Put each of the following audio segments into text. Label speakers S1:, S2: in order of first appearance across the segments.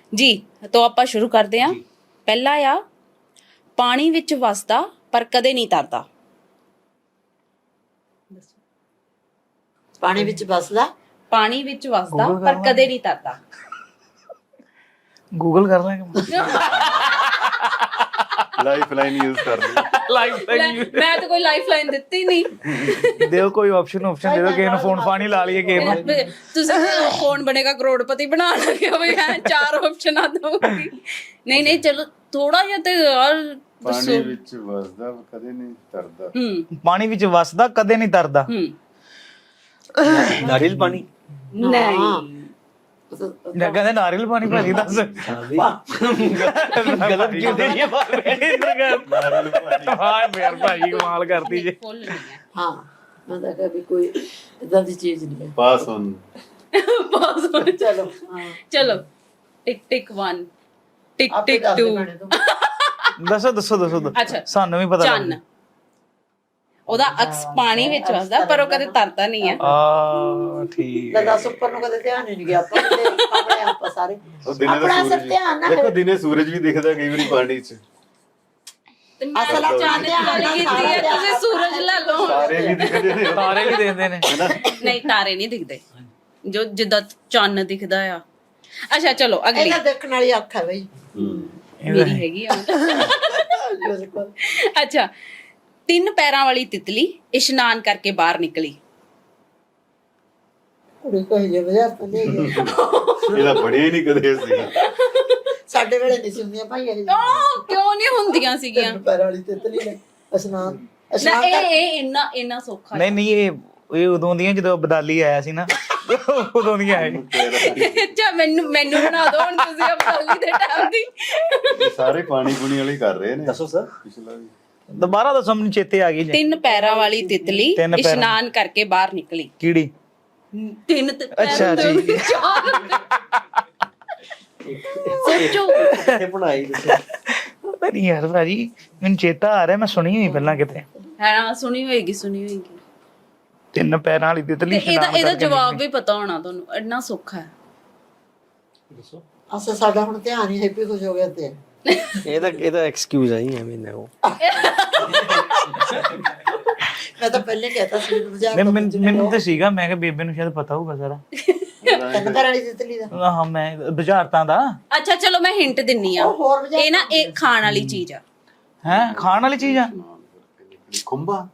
S1: ਜੀ ਤਾਂ ਆਪਾਂ ਸ਼ੁਰੂ ਕਰਦੇ ਹਾਂ। ਪਹਿਲਾ ਆ ਪਾਣੀ ਵਿੱਚ ਵਸਦਾ ਪਰ ਕਦੇ ਨਹੀਂ ਤਰਦਾ।
S2: ਪਾਣੀ ਵਿੱਚ ਵਸਦਾ
S1: ਪਾਣੀ ਵਿੱਚ ਵਸਦਾ ਪਰ ਕਦੇ ਨਹੀਂ ਤਰਦਾ।
S3: ਗੂਗਲ ਕਰ ਲਾਂਗੇ।
S4: ਲਾਈਫ ਲਾਈਨ ਯੂਜ਼ ਕਰ ਲਈ।
S1: ਮੈਂ ਤਾਂ ਕੋਈ ਲਾਈਫ ਲਾਈਨ ਦਿੱਤੀ ਨਹੀਂ।
S3: ਦਿਓ ਕੋਈ ਆਪਸ਼ਨ ਦੇ ਦਿਓ, ਕਿਸੇ ਨੂੰ ਫੋਨ ਫਾਨੀ ਲਾ ਲਈਏ ਕਿਸੇ ਨੂੰ।
S1: ਤੁਸੀਂ ਕੌਣ ਬਣੇਗਾ ਕਰੋੜਪਤੀ ਬਣਾ ਲਗੇ ਬਈ ਮੈਂ 4 ਆਪਸ਼ਨਾਂ ਦਊਂਗੀ। ਨਹੀਂ ਚਲੋ ਥੋੜਾ ਜਿਹਾ ਤੇ ਯਾਰ
S4: ਪਾਣੀ ਵਿੱਚ ਵਸਦਾ ਕਦੇ ਨਹੀਂ ਤਰਦਾ।
S3: ਪਾਣੀ ਵਿੱਚ ਵਸਦਾ ਕਦੇ ਨਹੀਂ ਤਰਦਾ।
S5: ਨਾਰੀਅਲ ਪਾਣੀ
S1: ਨਹੀਂ
S3: ਜਾਂ ਕਹਿੰਦੇ ਨਾਰੀਅਲ ਪਾਣੀ ਭਾਜੀ ਦੱਸ। ਗਲਤ ਕਿਉਂ ਦੇਣੀ ਹੈ
S4: ਨਾਰੀਅਲ ਪਾਣੀ।
S3: ਹਾਂ ਯਾਰ ਭਾਜੀ ਕਮਾਲ ਕਰਦੀ ਜੇ।
S1: ਫੁੱਲ ਨਹੀਂ ਹੈ।
S2: ਹਾਂ ਮੈਂ ਤਾਂ ਕਦੇ ਕੋਈ ਇਦਾਂ ਦੀ ਚੀਜ਼ ਨਹੀਂ ਹੈ।
S4: ਪਾਸ ਹੁਣ
S1: ਬਸ ਹੁਣ
S2: ਚਲੋ ਹਾਂ
S1: ਚਲੋ ਟਿਕ ਟਿਕ 1 ਟਿਕ
S2: ਆਪੇ
S1: ਟਿਕ
S2: ਦੱਸ
S1: 2
S2: ਦੇ ਭੈਣੇ ਤੂੰ।
S3: ਦੱਸੋ
S1: ਅੱਛਾ
S3: ਸਾਨੂੰ ਵੀ ਪਤਾ
S1: ਚੰਨ ਉਹਦਾ ਅਕਸ ਪਾਣੀ ਵਿੱਚ ਵਸਦਾ ਪਰ ਉਹ ਕਦੇ ਤਰਦਾ ਨਹੀਂ ਹੈ।
S3: ਠੀਕ
S2: ਲੈ ਦੱਸ ਉੱਪਰ ਨੂੰ ਕਦੇ ਧਿਆਨ ਹੀ ਨਹੀਂ ਗਿਆ ਆਪਾਂ ਕਿਤੇ ਆਪਣੇ ਆਪਾਂ ਸਾਰੇ
S4: ਉਹ ਦਿਨੇ
S2: ਆਪਣਾ
S4: ਤਾਂ
S2: ਸਿਰ
S4: ਸੂਰਜ
S2: ਧਿਆਨ ਨਾ
S4: ਦੇਖੋ ਦਿਨੇ ਸੂਰਜ ਵੀ ਦਿਖਦਾ ਕਈ ਵਾਰੀ ਪਾਣੀ 'ਚ।
S1: ਤੇ ਮੈਂ
S2: ਅਸਲ
S1: ਤਾਂ
S2: ਚ
S1: ਚੰਨ ਦੀ ਗੱਲ ਕੀਤੀ ਹੈ, ਤੁਸੀਂ ਸੂਰਜ ਲੈ ਲਓ।
S4: ਸਾਰੇ ਵੀ ਦਿਖਦੇ ਨੇ
S3: ਤਾਰੇ ਵੀ ਦਿੰਦੇ ਨੇ।
S1: ਨਹੀਂ ਤਾਰੇ ਨਹੀਂ ਦਿਖਦੇ ਜੋ ਜਿੱਦਾਂ ਚੰਨ ਦਿਖਦਾ ਆ। ਅੱਛਾ ਚਲੋ ਅਗਲੀ
S2: ਇਹਦਾ ਦੇਖਣ ਵਾਲੀ ਅੱਖ ਹੈ ਬਈ
S1: ਮੇਰੀ ਹੈਗੀ ਆ।
S2: ਮੇਰੇ ਕੋਲ
S1: ਅੱਛਾ 3 ਪੈਰਾਂ ਵਾਲੀ ਤਿਤਲੀ ਇਸ਼ਨਾਨ ਕਰਕੇ ਬਾਹਰ ਨਿਕਲੀ।
S2: ਕੁੜੀ ਕੋਈ ਜੇ ਵਜਾ ਤਾਂ ਨਹੀਂ ਗਈ।
S4: ਇਹਦਾ ਬਣਿਆ ਹੀ ਨਹੀਂ ਕਦੇ ਸੀ।
S2: ਸਾਡੇ ਵੇਲੇ ਨਹੀਂ ਸੀ ਹੁੰਦੀਆਂ ਭਾਈ ਇਹ
S1: ਉਹ ਕਿਉਂ ਨਹੀਂ ਹੁੰਦੀਆਂ ਸੀਗੀਆਂ?
S2: ਪੈਰ ਵਾਲੀ ਤਿਤਲੀ ਨੇ ਇਸ਼ਨਾਨ
S1: ਨਾ
S2: ਇਸ਼ਨਾਨ
S1: ਇਹ ਇੰਨਾ ਸੌਖਾ
S3: ਨਹੀਂ ਇਹ ਉਦੋਂ ਦੀਆਂ ਜਦੋਂ ਬਦਾਲੀ ਆਇਆ ਸੀ ਨਾ ਉਦੋਂ ਦੀਆਂ ਆਏ।
S1: ਅੱਛਾ ਮੈਨੂੰ ਬਣਾ ਦਿਓ ਹੁਣ ਤੁਸੀਂ ਅਬਦਾਲੀ ਦੇ ਟਾਈਮ ਦੀ।
S4: ਇਹ ਸਾਰੇ ਪਾਣੀ ਪੂਣੀ ਵਾਲੇ ਕਰ ਰਹੇ ਨੇ।
S5: ਦੱਸੋ ਸਰ।
S4: ਪਿਛਲਾ ਵੀ
S3: ਦੁਬਾਰਾ ਦੱਸੋ ਮੈਨੂੰ ਚੇਤੇ ਆ ਗਈ ਜੀ।
S1: 3 ਪੈਰਾਂ ਵਾਲੀ ਤਿਤਲੀ
S3: ਤਿੰਨ ਪੈਰਾਂ।
S1: ਇਸ਼ਨਾਨ ਕਰਕੇ ਬਾਹਰ ਨਿਕਲੀ।
S3: ਕੀੜੀ।
S1: 3
S3: ਅੱਛਾ ਜੀ।
S1: ਸੋਚੋ
S5: ਕਿੱਥੇ ਬਣਾਈ ਦੱਸੋ।
S3: ਪਤਾ ਨਹੀਂ ਯਾਰ ਭਾਜੀ ਮੈਨੂੰ ਚੇਤਾ ਆ ਰਿਹਾ, ਮੈਂ ਸੁਣੀ ਹੋਈ ਪਹਿਲਾਂ ਕਿਤੇ।
S1: ਹਾਂ ਸੁਣੀ ਹੋਏਗੀ
S3: 3 ਪੈਰਾਂ ਵਾਲੀ ਤਿਤਲੀ
S1: ਤੇ ਇਹਦਾ ਜਵਾਬ ਵੀ ਪਤਾ ਹੋਣਾ ਤੁਹਾਨੂੰ, ਇੰਨਾ ਸੌਖਾ ਹੈ।
S5: ਦੱਸੋ
S2: ਅਸਾਂ ਸਾਡਾ ਹੁਣ ਧਿਆਨ ਹੀ ਹੈਪੀ ਖੁਸ਼ ਹੋ ਗਿਆ ਤੇ
S5: ਇਹਦਾ ਐਕਸਕਿਊਜ਼ ਆਈ ਐਵੇਂ ਨਾ ਉਹ
S2: ਮੈਂ ਤਾਂ ਪਹਿਲੇ ਕਹਿਤਾ ਸੀ ਮਜ਼ਾਕ
S3: ਮੈਨੂੰ ਤਾਂ ਸੀਗਾ, ਮੈਂ ਕਿਹਾ ਬੇਬੇ ਨੂੰ ਸ਼ਾਇਦ ਪਤਾ ਹੋਊਗਾ ਸਾਰਾ।
S2: ਤਿੰਨ ਪੈਰਾਂ ਵਾਲੀ ਤਿਤਲੀ ਦਾ
S3: ਹਾਂ ਮੈਂ ਬੁਝਾਰਤਾਂ ਦਾ।
S1: ਅੱਛਾ ਚਲੋ ਮੈਂ ਹਿੰਟ ਦਿੰਨੀ ਆ।
S2: ਹੋਰ ਬੁਝਾਰਤਾਂ
S1: ਇਹ ਨਾ ਇਹ ਖਾਣ ਵਾਲੀ ਚੀਜ਼ ਆ।
S3: ਹੈ ਖਾਣ ਵਾਲੀ ਚੀਜ਼ ਆ
S4: ਖੁੰਬਾ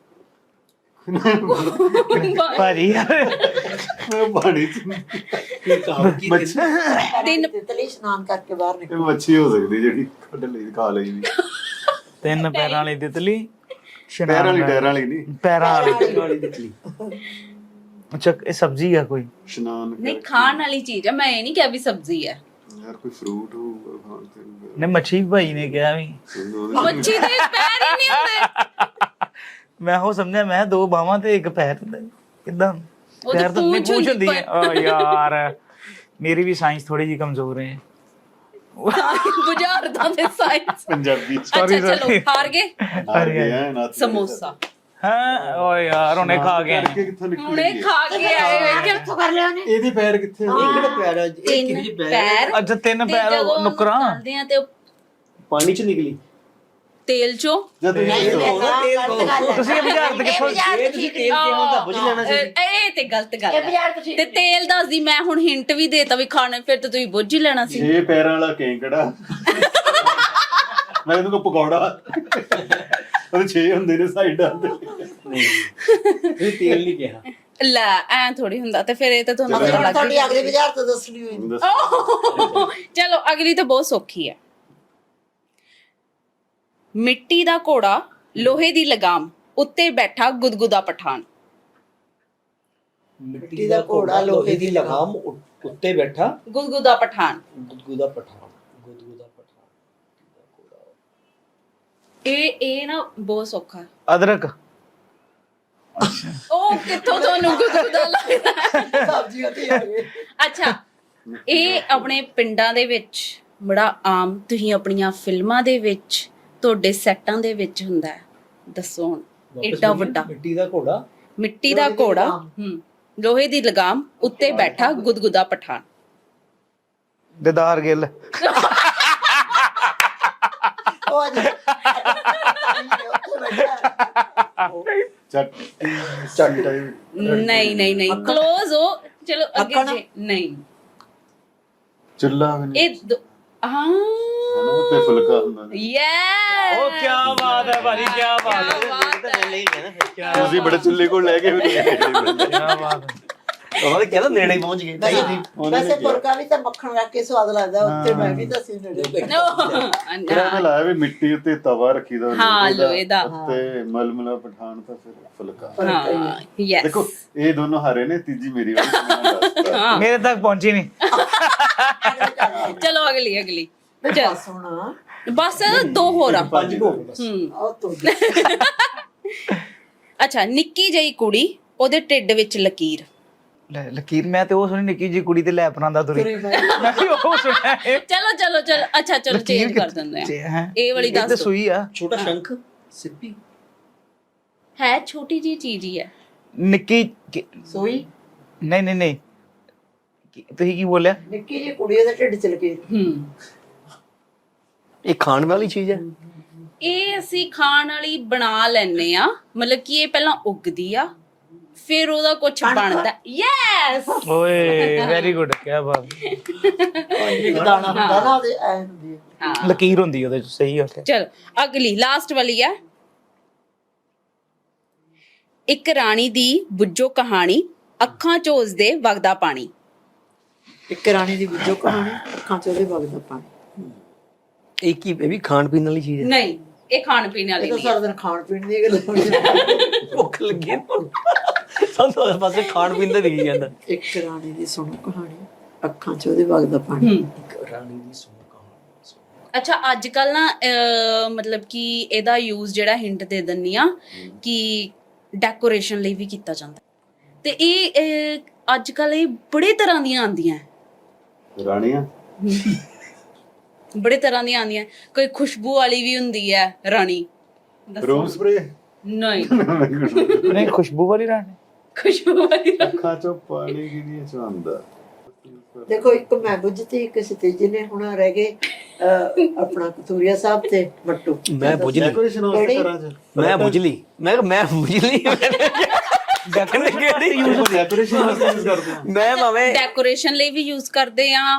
S3: ਭਾਜੀ ਯਾਰ।
S4: ਪਾਣੀ 'ਚ ਮੱਛੀ।
S2: ਤਿਤਲੀ ਇਸ਼ਨਾਨ ਕਰਕੇ ਬਾਹਰ ਨਿਕਲ
S4: ਇਹ ਮੱਛੀ ਹੋ ਸਕਦੀ ਜਿਹੜੀ ਕੱਢ ਲਈ ਖਾ ਲਈ ਦੀ।
S3: 3 ਪੈਰਾਂ ਵਾਲੀ ਤਿਤਲੀ
S4: ਪੈਰਾਂ ਵਾਲੀ ਟੈਰਾਂ ਵਾਲੀ ਨਹੀਂ,
S3: ਪੈਰਾਂ ਵਾਲੀ।
S5: ਵਾਲੀ ਤਿਤਲੀ।
S3: ਅੱਛਾ ਇਹ ਸਬਜ਼ੀ ਆ ਕੋਈ?
S4: ਇਸ਼ਨਾਨ
S1: ਨਹੀਂ ਖਾਣ ਵਾਲੀ ਚੀਜ਼ ਆ, ਮੈਂ ਇਹ ਨਹੀਂ ਕਿਹਾ ਵੀ ਸਬਜ਼ੀ ਹੈ।
S4: ਯਾਰ ਕੋਈ ਫਰੂਟ ਹੋਊਗਾ ਖਾਣ ਤੇ।
S3: ਨੇ ਮੱਛੀ ਭਾਈ ਨੇ ਕਿਹਾ ਵੀ।
S1: ਮੱਛੀ ਦੇ ਪੈਰ ਹੀ ਨਹੀਂ ਹੁੰਦੇ।
S3: ਮੈਂ ਉਹ ਸਮਝਿਆ ਮੈਂ 2 ਬਾਹਾਂ ਤੇ 1 ਪੈਰ ਹੁੰਦਾ ਕਿਦਾਂ?
S1: ਉਹ ਤਾਂ ਪੂੰਛ
S3: ਹੁੰਦੀ ਹੈ। ਆ ਯਾਰ ਮੇਰੀ ਵੀ ਸਾਇੰਸ ਥੋੜੀ ਜੀ ਕਮਜ਼ੋਰ ਹੈ।
S1: ਬੁਝਾਰਤਾਂ ਦੇ ਸਾਇੰਸ।
S4: ਪੰਜਾਬੀ 'ਚ
S1: ਅੱਛਾ ਚਲੋ ਹਾਰ ਗਏ।
S4: ਆ ਗਿਆ ਨਾ
S1: ਸਮੋਸਾ
S3: ਹਾਂ ਓ ਯਾਰ ਉਹਨੇ ਖਾ ਗਿਆ।
S4: ਕਰਕੇ ਕਿੱਥੋਂ ਨਿਕਲੀ
S1: ਹੁਣੇ ਖਾ ਕੇ ਆਏ ਵੇਖਿਆ।
S2: ਕਿੱਥੋਂ ਕਰ ਲਿਆ ਉਹਨੇ
S4: ਇਹਦੇ ਪੈਰ ਕਿੱਥੇ ਆ?
S5: ਇਹ ਕਿਹੜਾ ਪਿਆਰਾ ਇਹ
S1: 3
S5: ਕਿਹਦੀ ਪੈਰ
S1: ਪੈਰ
S3: ਅੱਛਾ 3
S1: ਤੇ
S3: ਪੈਰ
S1: ਜਦੋਂ
S3: ਨੁਕਰਾਂ।
S1: ਚੱਲਦੇ ਆ ਤੇ ਉਹ
S5: ਪਾਣੀ ਚ ਨਿਕਲੀ।
S1: ਤੇਲ ਚੋਂ
S4: ਜਦ
S5: ਤੇਲ
S3: ਤੁਸੀਂ ਇਹ ਬੁਝਾਰਤ ਕਿੱਥੋਂ?
S5: ਇਹ ਤੁਸੀਂ ਤੇਲ ਕਿਹਾ ਹੁੰਦਾ ਬੁਝ ਲੈਣਾ ਸੀ।
S1: ਇਹ ਤੇ ਗਲਤ ਗੱਲ
S2: ਇਹ
S1: ਹੈ।
S2: ਬਾਜ਼ਾਰ ਤੋਂ ਠੀਕ
S1: ਤੇ ਤੇਲ ਦੱਸਦੀ ਮੈਂ ਹੁਣ ਹਿੰਟ ਵੀ ਦੇਤਾ ਵੀ ਖਾਣੇ, ਫਿਰ ਤਾਂ ਤੁਸੀਂ ਬੁੱਝ ਹੀ ਲੈਣਾ ਸੀ।
S4: 6 ਪੈਰਾਂ ਵਾਲਾ ਕੇਂਕੜਾ। ਮੈਂ ਇਹਨੂੰ ਪਕੌੜਾ। ਉਹਦੇ 6 ਹੁੰਦੇ ਨੇ ਸਾਈਡਾਂ ਤੇ।
S5: ਨਹੀਂ ਤੁਸੀਂ ਤੇਲ ਨਹੀਂ ਕਿਹਾ।
S1: ਲੈ ਐ ਥੋੜੀ ਹੁੰਦਾ, ਤੇ ਫਿਰ ਇਹ ਤਾਂ ਤੁਹਾਨੂੰ ਪਤਾ ਲੱਗ
S2: ਤੁਹਾਡੀ
S1: ਗਿਆ।
S2: ਅਗਲੀ ਬਾਜ਼ਾਰ ਤੋਂ ਦੱਸਣੀ ਹੋਈ
S1: ਚਲੋ ਅਗਲੀ ਤਾਂ ਬਹੁਤ ਸੌਖੀ ਹੈ। ਮਿੱਟੀ ਦਾ ਘੋੜਾ ਲੋਹੇ ਦੀ ਲਗਾਮ ਉੱਤੇ ਬੈਠਾ ਗੁਦਗੁਦਾ ਪਠਾਨ।
S5: ਮਿੱਟੀ ਦਾ ਘੋੜਾ ਲੋਹੇ ਦੀ ਲਗਾਮ ਉੱਤੇ ਬੈਠਾ
S1: ਗੁਦਗੁਦਾ ਪਠਾਨ।
S5: ਗੁਦਗੁਦਾ ਪਠਾਨ। ਗੁਦਗੁਦਾ ਪਠਾਨ।
S1: ਇਹ ਨਾ ਬਹੁਤ ਸੌਖਾ ਹੈ।
S3: ਅਦਰਕ।
S1: ਉਹ ਕਿੱਥੋਂ ਤੁਹਾਨੂੰ ਗੁਦਗੁਦਾ ਲੱਗਦਾ?
S2: ਸਬਜ਼ੀ ਉੱਤੇ ਆ ਗਈ
S1: ਅੱਛਾ ਇਹ ਆਪਣੇ ਪਿੰਡਾਂ ਦੇ ਵਿੱਚ ਬੜਾ ਆਮ, ਤੁਸੀਂ ਆਪਣੀਆਂ ਫਿਲਮਾਂ ਦੇ ਵਿੱਚ ਤੁਹਾਡੇ ਸੈੱਟਾਂ ਦੇ ਵਿੱਚ ਹੁੰਦਾ ਹੈ। ਦੱਸੋ ਹੁਣ ਏਡਾ ਵੱਡਾ
S5: ਮਿੱਟੀ ਦਾ ਘੋੜਾ।
S1: ਮਿੱਟੀ ਦਾ ਘੋੜਾ ਲੋਹੇ ਦੀ ਲਗਾਮ ਉੱਤੇ ਬੈਠਾ ਗੁਦਗੁਦਾ ਪਠਾਨ।
S3: ਦਿਦਾਰ ਗਿੱਲ।
S2: ਉਹ ਅੱਜ ਉੱਥੇ ਬੈਠਾ
S4: ਚੱਟੀ ਟਾਈਪ
S1: ਨਹੀਂ ਨਹੀਂ ਨਹੀਂ ਕਲੋਜ਼ ਹੋ। ਚਲੋ ਅੱਗੇ
S2: ਅੱਖਾਂ
S1: ਜੇ ਨਹੀਂ
S4: ਚੁੱਲਾ ਵੀ ਨਹੀਂ
S1: ਇਹ ਹਾਂ
S4: ਉਹ ਤੇ ਫੁਲਕਾ ਹੁੰਦਾ ਨੇ।
S1: ਯੈਸ
S3: ਉਹ ਕੀ ਬਾਤ ਹੈ ਭਾਜੀ, ਕੀ ਬਾਤ ਹੈ,
S1: ਬਾਤ ਹੈ।
S4: ਤੁਸੀਂ ਬੜੇ ਚੁੱਲੇ ਕੋਲ ਲੈ ਕੇ ਵੀ ਨਹੀਂ ਗਏ।
S3: ਕੀ ਬਾਤ ਹੈ।
S5: ਉਹਨਾਂ ਨੇ ਕਹਿੰਦਾ ਨੇੜੇ ਹੀ ਪਹੁੰਚ ਗਏ।
S2: ਵੈਸੇ ਪੁਰਕਾ ਵੀ ਤਾਂ ਮੱਖਣ ਰੱਖ ਕੇ ਸਵਾਦ ਲੱਗਦਾ ਉੱਤੇ ਮੈਂ ਵੀ ਤਾਂ ਸੀ ਨੇੜੇ
S4: ਫਿਰ ਐਵੇਂ ਲਾਇਆ ਵੀ ਮਿੱਟੀ ਉੱਤੇ ਤਵਾ ਰੱਖੀ ਦਾ
S1: ਹਾਂ, ਲੋਹੇ ਦਾ।
S4: ਉੱਤੇ ਮਲਮਲਾ ਪਠਾਨ ਤਾਂ ਫਿਰ ਫੁਲਕਾ।
S1: ਹਾਂ ਯੈਸ
S4: ਦੇਖੋ ਇਹ ਦੋਨੋਂ ਹਾਰੇ ਨੇ, ਤੀਜੀ ਮੇਰੀ ਵਾਲੀ ਮੈਂ ਦੱਸਦਾ।
S3: ਮੇਰੇ ਤੱਕ ਪਹੁੰਚੀ ਨਹੀਂ।
S1: ਚਲੋ ਅਗਲੀ
S2: ਚੱਲ ਸੋਣਾ
S1: ਬਸ ਦੋ ਹੋਰ ਆ।
S5: 5 ਹੋ ਗਏ ਬਸ।
S2: ਉਹ ਤੋਂ
S1: ਅੱਛਾ ਨਿੱਕੀ ਜਿਹੀ ਕੁੜੀ ਉਹਦੇ ਢਿੱਡ ਵਿੱਚ ਲਕੀਰ।
S3: ਲੈ ਲਕੀਰ, ਮੈਂ ਤੇ ਉਹ ਸੁਣੀ ਨਿੱਕੀ ਜੀ ਕੁੜੀ ਤੇ ਲੈ ਪਰਾਂਦਾ ਤੁਰੀ।
S2: ਤੁਰੀ ਮੈਂ
S3: ਮੈਂ ਵੀ ਉਹ ਸੁਣਿਆ ਇਹ।
S1: ਚਲੋ ਅੱਛਾ ਚਲੋ ਚੇਂਜ ਕਰ ਦਿੰਦੇ ਆ।
S3: ਹੈਂ?
S1: ਇਹ ਵਾਲੀ
S3: ਇਹ ਤੇ
S1: ਦੱਸ
S3: ਸੂਈ ਆ।
S5: ਛੋਟਾ ਸ਼ੰਖ ਸਿੱਪੀ
S1: ਹੈ, ਛੋਟੀ ਜੀ ਚੀਜ਼ ਹੀ ਹੈ।
S3: ਨਿੱਕੀ
S2: ਸੋਈ
S3: ਨਹੀਂ ਨਹੀਂ ਨਹੀਂ, ਤੁਸੀਂ ਕੀ ਬੋਲਿਆ?
S2: ਨਿੱਕੀ ਜਿਹੀ ਕੁੜੀ ਉਹਦੇ ਢਿੱਡ ਚ ਲਕੀ।
S5: ਇਹ ਖਾਣ ਵਾਲੀ ਚੀਜ਼ ਹੈ।
S1: ਇਹ ਅਸੀਂ ਖਾਣ ਵਾਲੀ ਬਣਾ ਲੈਨੇ ਆ, ਮਤਲਬ ਕਿ ਇਹ ਪਹਿਲਾਂ ਉੱਗਦੀ ਆ ਫਿਰ ਉਹਦਾ ਕੁਝ ਬਣਦਾ। ਯੈਸ
S3: ਓਏ ਵੈਰੀ ਗੁੱਡ, ਕੀ ਬਾਤ।
S2: ਇੱਕ ਦਾਣਾ ਹੁੰਦਾ ਨਾ ਉਹਦੇ ਐ ਹੁੰਦੀ ਹੈ।
S1: ਹਾਂ
S3: ਲਕੀਰ ਹੁੰਦੀ ਉਹਦੇ ਚ, ਸਹੀ ਹੋ ਗਿਆ।
S1: ਚਲੋ ਅਗਲੀ ਲਾਸਟ ਵਾਲੀ ਆ। ਇੱਕ ਰਾਣੀ ਦੀ ਬੁੱਝੋ ਕਹਾਣੀ, ਅੱਖਾਂ ਚ ਉਸਦੇ ਵਗਦਾ ਪਾਣੀ।
S2: ਇੱਕ ਰਾਣੀ ਦੀ ਵਿੱਚੋਂ ਕਹਾਣੀ, ਅੱਖਾਂ ਚ ਉਹਦੇ ਵਗਦਾ ਪਾਣੀ।
S5: ਇਹ ਕੀ, ਇਹ ਵੀ ਖਾਣ ਪੀਣ ਵਾਲੀ ਚੀਜ਼ ਹੈ।
S1: ਨਹੀਂ ਇਹ ਖਾਣ ਪੀਣ ਵਾਲੀ
S2: ਇਹ ਤਾਂ
S1: ਨਹੀਂ
S2: ਸਾਰਾ ਦਿਨ ਖਾਣ ਪੀਣ ਦੀ ਗੱਲ ਹੁੰਦੀ।
S5: ਭੁੱਖ ਲੱਗੀ ਹੈ ਸਾਨੂੰ ਤਾਂ ਪਾਸੇ ਖਾਣ ਪੀਣ ਦਾ ਦਿਖੀ ਜਾਂਦਾ।
S2: ਇੱਕ ਰਾਣੀ ਦੀ ਸੁਣੋ ਕਹਾਣੀ, ਅੱਖਾਂ ਚ ਉਹਦੇ ਵਗਦਾ ਪਾਣੀ।
S5: ਇੱਕ ਰਾਣੀ ਦੀ ਸੁਣੋ ਕਹਾਣੀ।
S1: ਅੱਛਾ ਅੱਜ ਕੱਲ ਨਾ ਮਤਲਬ ਕਿ ਇਹਦਾ ਯੂਜ਼ ਜਿਹੜਾ ਹਿੰਟ ਦੇ ਦਿੰਨੀ ਆ ਕਿ ਡੈਕੋਰੇਸ਼ਨ ਲਈ ਵੀ ਕੀਤਾ ਜਾਂਦਾ ਤੇ ਇਹ ਅੱਜ ਕੱਲ ਇਹ ਬੜੇ ਤਰ੍ਹਾਂ ਦੀਆਂ ਆਉਂਦੀਆਂ
S4: ਰਾਣੀਆਂ
S1: ਬੜੇ ਤਰ੍ਹਾਂ ਦੀਆਂ ਆਉਂਦੀਆਂ। ਕੋਈ ਖੁਸ਼ਬੂ ਵਾਲੀ ਵੀ ਹੁੰਦੀ ਹੈ ਰਾਣੀ। ਦੱਸੋ।
S4: ਰੂਮ ਸਪਰੇ
S1: ਨਹੀਂ
S3: ਨਹੀਂ ਖੁਸ਼ਬੂ ਵਾਲੀ ਰਾਣੀ।
S1: ਖੁਸ਼ਬੂ ਵਾਲੀ ਰਾਣੀ।
S4: ਅੱਖਾਂ ਚੋਂ ਪਾਣੀ ਕਿਹਦੀ ਚੋਂਦਾ।
S2: ਦੇਖੋ ਇੱਕ ਮੈਂ ਬੁੱਝਤੀ, ਇੱਕ ਸਤੀਜੀ ਨੇ ਹੁਣ ਰਹਿ ਗਏ ਆਪਣਾ ਕਤੂਰੀਆ ਸਾਹਿਬ ਤੇ ਮੱਟੂ।
S5: ਮੈਂ ਬੁੱਝ ਲਈ,
S4: ਡੈਕੋਰੇਸ਼ਨ ਵਾਸਤੇ ਕਰਾਂ ਜੀ।
S5: ਮੈਂ ਬੁੱਝ ਲਈ, ਮੈਂ ਬੁੱਝ ਲਈ।
S4: ਡੈਕੋਰੇਸ਼ਨ ਵਾਸਤੇ ਯੂਜ਼ ਕਰਦੇ ਹਾਂ।
S5: ਮੈਂ ਭਾਵੇਂ
S1: ਡੈਕੋਰੇਸ਼ਨ ਲਈ ਵੀ ਯੂਜ਼ ਕਰਦੇ ਆ।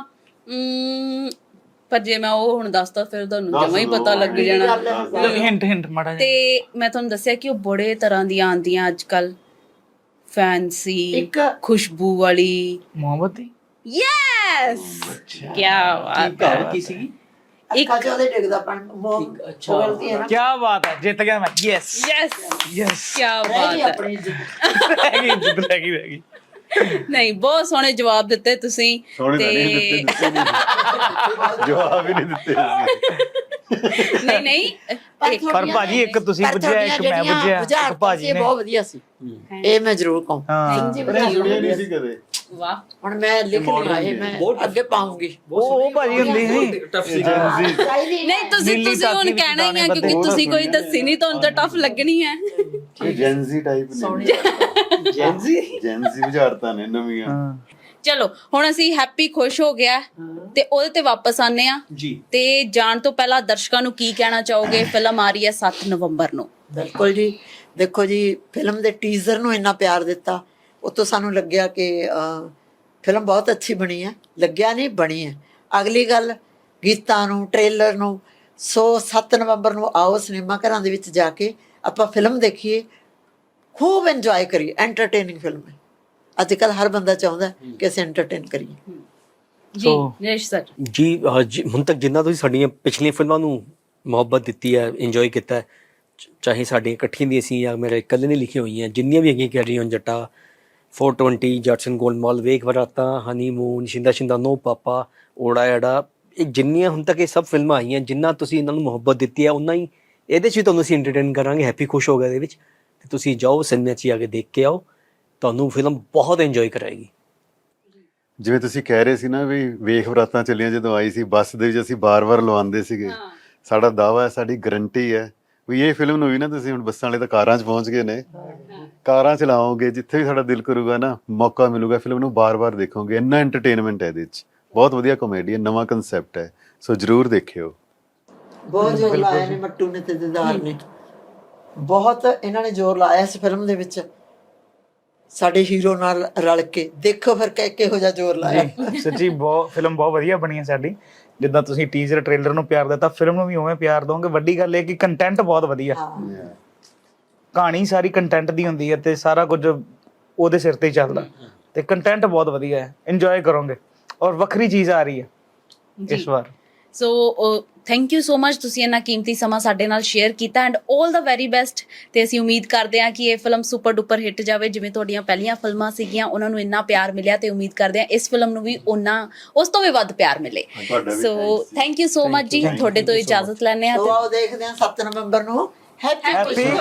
S1: ਪਰ ਜੇ ਮੈਂ ਉਹ ਹੁਣ ਦੱਸਦਾ ਫਿਰ ਤੁਹਾਨੂੰ ਜਮਾਂ ਹੀ ਪਤਾ ਲੱਗ ਜਾਣਾ।
S3: ਹਿੰਟ ਮਾੜਾ ਜਿਹਾ।
S1: ਤੇ ਮੈਂ ਤੁਹਾਨੂੰ ਦੱਸਿਆ ਕਿ ਉਹ ਬੜੇ ਤਰ੍ਹਾਂ ਦੀਆਂ ਆਉਂਦੀਆਂ ਅੱਜ ਕੱਲ। ਫੈਂਸੀ,
S2: ਇੱਕ
S1: ਖੁਸ਼ਬੂ ਵਾਲੀ।
S3: ਮੋਹਬਤੀ।
S1: ਯੈਸ ਕੀ ਬਾਤ
S5: ਘਰ
S1: ਹੈ।
S5: ਕੀ ਸੀਗੀ?
S2: ਅੱਖਾਂ ਚ ਉਹਦੇ ਡਿੱਗਦਾ ਪਾਣੀ।
S5: ਅੱਛਾ।
S2: ਬੋਲਦੀ ਹੈ ਨਾ।
S3: ਕੀ ਬਾਤ ਹੈ, ਜਿੱਤ ਗਿਆ ਮੈਂ। Yes
S1: yes
S3: yes.
S1: ਕੀ
S2: ਰਹਿ
S1: ਬਾਤ
S2: ਗਈ
S1: ਹੈ।
S2: ਆਪਣੀ ਇੱਜ਼ਤ।
S3: ਰਹਿ ਗਈ ਜਿੱਤ, ਰਹਿ ਗਈ।
S1: ਨਹੀਂ ਬਹੁਤ ਸੋਹਣੇ ਜਵਾਬ ਦਿੱਤੇ ਤੁਸੀਂ।
S4: ਸੋਹਣੇ ਤਾਂ ਨਹੀਂ ਦਿੱਤੇ ਜਵਾਬ ਹੀ ਨਹੀਂ ਦਿੱਤੇ ਅਸੀਂ।
S1: ਨਹੀਂ
S3: ਪਰ ਭਾਜੀ ਇੱਕ ਤੁਸੀਂ ਬੁੱਝਿਆ, ਇੱਕ ਮੈਂ ਬੁੱਝਿਆ, ਇੱਕ ਭਾਜੀ ਨੇ।
S2: ਬਹੁਤ ਵਧੀਆ ਸੀ ਇਹ, ਮੈਂ ਜ਼ਰੂਰ ਕਹੂੰ।
S3: ਹਾਂ
S4: ਸੁਣਿਆ ਨਹੀਂ ਸੀ ਕਦੇ।
S1: ਵਾਹ
S2: ਹੁਣ ਮੈਂ ਲਿਖ ਲਿਆ ਇਹ, ਮੈਂ ਅੱਗੇ ਪਾਉਂਗੀ।
S3: ਉਹ ਭਾਜੀ ਹੁੰਦੀ ਸੀ।
S1: ਨਹੀਂ ਤੁਸੀਂ
S3: ਨੀਲੀ
S1: ਤੁਸੀਂ ਹੁਣ
S3: ਤਾਕੀ
S1: ਕਹਿਣਾ ਹੀ ਆ
S3: ਵਿੱਚ
S1: ਕਿਉਂਕਿ ਤੁਸੀਂ ਕੋਈ ਦੱਸੀ ਨਹੀਂ, ਤੁਹਾਨੂੰ ਤਾਂ ਟਫ ਲੱਗਣੀ ਹੈ।
S4: ਇਹ ਜੈਨਜ਼ੀ ਟਾਈਪ ਨੇ। ਜੈਨਜ਼ੀ ਬੁਝਾਰਤਾਂ ਨੇ ਨਵੀਆਂ।
S3: ਹਾਂ
S1: ਚਲੋ ਹੁਣ ਅਸੀਂ ਹੈਪੀ ਖੁਸ਼ ਹੋ ਗਿਆ ਤੇ ਉਹਦੇ ਤੇ ਵਾਪਸ ਆਨੇ ਆ
S5: ਜੀ।
S1: ਤੇ ਜਾਣ ਤੋਂ ਪਹਿਲਾਂ ਦਰਸ਼ਕਾਂ ਨੂੰ ਕੀ ਕਹਿਣਾ ਚਾਹੋਗੇ? ਫਿਲਮ ਆ ਰਹੀ ਹੈ 7 ਨਵੰਬਰ ਨੂੰ।
S2: ਬਿਲਕੁਲ ਜੀ। ਦੇਖੋ ਜੀ, ਫਿਲਮ ਦੇ ਟੀਜ਼ਰ ਨੂੰ ਇੰਨਾ ਪਿਆਰ ਦਿੱਤਾ, ਉਤੋਂ ਸਾਨੂੰ ਲੱਗਿਆ ਕਿ ਫਿਲਮ ਬਹੁਤ ਅੱਛੀ ਬਣੀ ਹੈ। ਲੱਗਿਆ ਨਹੀਂ, ਬਣੀ ਹੈ। ਅਗਲੀ ਗੱਲ ਗੀਤਾਂ ਨੂੰ, ਟ੍ਰੇਲਰ ਨੂੰ। ਸੋ 7 ਨਵੰਬਰ ਨੂੰ ਆਓ ਸਿਨੇਮਾ ਘਰਾਂ ਦੇ ਵਿੱਚ ਜਾ ਕੇ ਆਪਾਂ ਫਿਲਮ ਦੇਖੀਏ, ਖੂਬ ਇੰਜੋਏ ਕਰੀਏ। ਐਂਟਰਟੇਨਿੰਗ ਫਿਲਮ ਹੈ। ਅੱਜ ਕੱਲ ਹਰ ਬੰਦਾ ਚਾਹੁੰਦਾ ਕਿ ਅਸੀਂ ਐਂਟਰਟੇਨ ਕਰੀਏ।
S1: ਜੀ ਨਰੇਸ਼ ਸਰ।
S5: ਜੀ ਹੁਣ ਤੱਕ ਜਿੰਨਾ ਤੁਸੀਂ ਸਾਡੀਆਂ ਪਿਛਲੀਆਂ ਫਿਲਮਾਂ ਨੂੰ ਮੁਹੱਬਤ ਦਿੱਤੀ ਹੈ, ਇੰਜੋਏ ਕੀਤਾ ਹੈ, ਚਾਹੇ ਸਾਡੀਆਂ ਇਕੱਠੀਆਂ ਦੀਆਂ ਸੀ ਜਾਂ ਮੇਰੇ ਇਕੱਲੇ ਨੇ ਲਿਖੀਆਂ ਹੋਈਆਂ, ਜਿੰਨੀਆਂ ਵੀ ਹੈਗੀਆਂ, ਕੈਰੀ ਔਨ ਜੱਟਾ, 420, ਜੱਟਸਨ ਗੋਲਮਾਲ, ਵੇਖ ਬਰਾਤਾਂ, honeymoon, Shinda Shinda, no papa, ਓੜਾ ਐੜਾ, ਇਹ ਜਿੰਨੀਆਂ ਹੁਣ ਤੱਕ ਇਹ ਸਭ ਫਿਲਮਾਂ ਆਈਆਂ, ਜਿੰਨਾ ਤੁਸੀਂ ਇਹਨਾਂ ਨੂੰ ਮੁਹੱਬਤ ਦਿੱਤੀ ਹੈ, ਉਨਾ ਹੀ ਇਹਦੇ 'ਚ ਵੀ ਤੁਹਾਨੂੰ ਅਸੀਂ ਐਂਟਰਟੇਨ ਕਰਾਂਗੇ। ਹੈਪੀ ਖੁਸ਼ ਹੋ ਗਿਆ ਇਹਦੇ ਵਿੱਚ। ਤੇ ਤੁਸੀਂ ਜਾਓ ਸਿਨੇਮਾ 'ਚ ਆ ਕੇ ਦੇਖ ਕੇ ਆਓ, ਤੁਹਾਨੂੰ ਫਿਲਮ ਬਹੁਤ ਇੰਜੋਏ ਕਰਾਏਗੀ।
S4: ਜਿਵੇਂ ਤੁਸੀਂ ਕਹਿ ਰਹੇ ਸੀ ਨਾ ਵੀ ਵੇਖ ਬਰਾਤਾਂ ਚੱਲੀਆਂ ਜਦੋਂ ਆਈ ਸੀ, ਬੱਸ ਦੇ ਵਿੱਚ ਅਸੀਂ ਬਾਰ-ਬਾਰ ਲਵਾਉਂਦੇ ਸੀਗੇ। ਸਾਡਾ ਦਾਵਾ ਹੈ, ਸਾਡੀ ਗਰੰਟੀ ਹੈ ਵੀ ਇਹ ਫਿਲਮ ਨੂੰ ਵੀ ਨਾ ਤੁਸੀਂ ਹੁਣ ਬੱਸਾਂ ਵਾਲੇ ਤਾਂ ਕਾਰਾਂ 'ਚ ਪਹੁੰਚ ਗਏ ਨੇ, ਕਾਰਾਂ ਚਲਾਓਗੇ, ਜਿੱਥੇ ਵੀ ਸਾਡਾ ਦਿਲ ਕਰੂਗਾ ਨਾ, ਮੌਕਾ ਮਿਲੂਗਾ, ਫਿਲਮ ਨੂੰ ਬਾਰ-ਬਾਰ ਦੇਖੋਗੇ। ਇੰਨਾ ਐਂਟਰਟੇਨਮੈਂਟ ਹੈ ਇਹਦੇ 'ਚ, ਬਹੁਤ ਵਧੀਆ ਕਾਮੇਡੀ ਹੈ, ਨਵਾਂ ਕਨਸੈਪਟ ਹੈ, ਸੋ ਜਰੂਰ ਦੇਖਿਓ।
S2: ਬਹੁਤ ਜ਼ੋਰ ਲਾਇਆ ਨੇ ਮੱਟੂ ਨੇ ਤੇ ਦਿਦਾਰ ਨੇ, ਬਹੁਤ ਇਹਨਾਂ ਨੇ ਜ਼ੋਰ ਲਾਇਆ ਇਸ ਫਿਲਮ ਦੇ ਵਿੱਚ ਸਾਡੇ ਹੀਰੋ ਨਾਲ ਰਲ ਕੇ। ਦੇਖੋ ਫਿਰ ਕਿਹੋ ਜਿਹਾ ਜ਼ੋਰ ਲਾਇਆ।
S3: ਜੀ ਸੱਚੀ ਬਹੁਤ ਫਿਲਮ ਬਹੁਤ ਵਧੀਆ ਬਣੀ ਹੈ ਸਾਡੀ। ਜਿੱਦਾਂ ਤੁਸੀਂ ਟੀਜ਼ਰ ਟ੍ਰੇਲਰ ਨੂੰ ਪਿਆਰ ਦਿੱਤਾ, ਫਿਲਮ ਨੂੰ ਵੀ ਉਵੇਂ ਪਿਆਰ ਦੋਗੇ। ਵੱਡੀ ਗੱਲ ਇਹ ਕਿ ਕੰਟੈਂਟ ਬਹੁਤ ਵਧੀਆ, ਕਹਾਣੀ ਸਾਰੀ ਕੰਟੈਂਟ ਦੀ ਹੁੰਦੀ ਹੈ ਤੇ ਸਾਰਾ ਕੁਝ ਉਹਦੇ ਸਿਰ ਤੇ ਹੀ ਚੱਲਦਾ, ਤੇ ਕੰਟੈਂਟ ਬਹੁਤ ਵਧੀਆ ਹੈ, ਇੰਜੋਏ ਕਰੋਗੇ ਔਰ ਵੱਖਰੀ ਚੀਜ਼ ਆ ਰਹੀ ਹੈ ਇਸ ਵਾਰ।
S1: So thank you so much, ਤੁਸੀਂ ਇੰਨਾ ਕੀਮਤੀ ਸਮਾਂ ਸਾਡੇ ਨਾਲ ਸ਼ੇਅਰ ਕੀਤਾ ਐਂਡ ਆਲ ਦਾ ਵੈਰੀ ਬੈਸਟ। ਤੇ ਅਸੀਂ ਉਮੀਦ ਕਰਦੇ ਹਾਂ ਕਿ ਇਹ ਫਿਲਮ ਸੁਪਰ ਡੁਪਰ ਹਿੱਟ ਜਾਵੇ, ਜਿਵੇਂ ਤੁਹਾਡੀਆਂ ਪਹਿਲੀਆਂ ਫਿਲਮਾਂ ਸੀਗੀਆਂ ਉਹਨਾਂ ਨੂੰ ਇੰਨਾ ਪਿਆਰ ਮਿਲਿਆ, ਤੇ ਉਮੀਦ ਕਰਦੇ ਹਾਂ ਇਸ ਫਿਲਮ ਨੂੰ ਵੀ ਉਸ ਤੋਂ ਵੀ ਵੱਧ ਪਿਆਰ ਮਿਲੇ। So thank you so much ਜੀ, ਤੁਹਾਡੇ ਤੋਂ ਇਜਾਜ਼ਤ ਲੈਂਦੇ ਹਾਂ।
S2: ਸੋ ਆਓ ਦੇਖਦੇ ਹਾਂ 7 ਨਵੰਬਰ ਨੂੰ। ਹੈਪੀ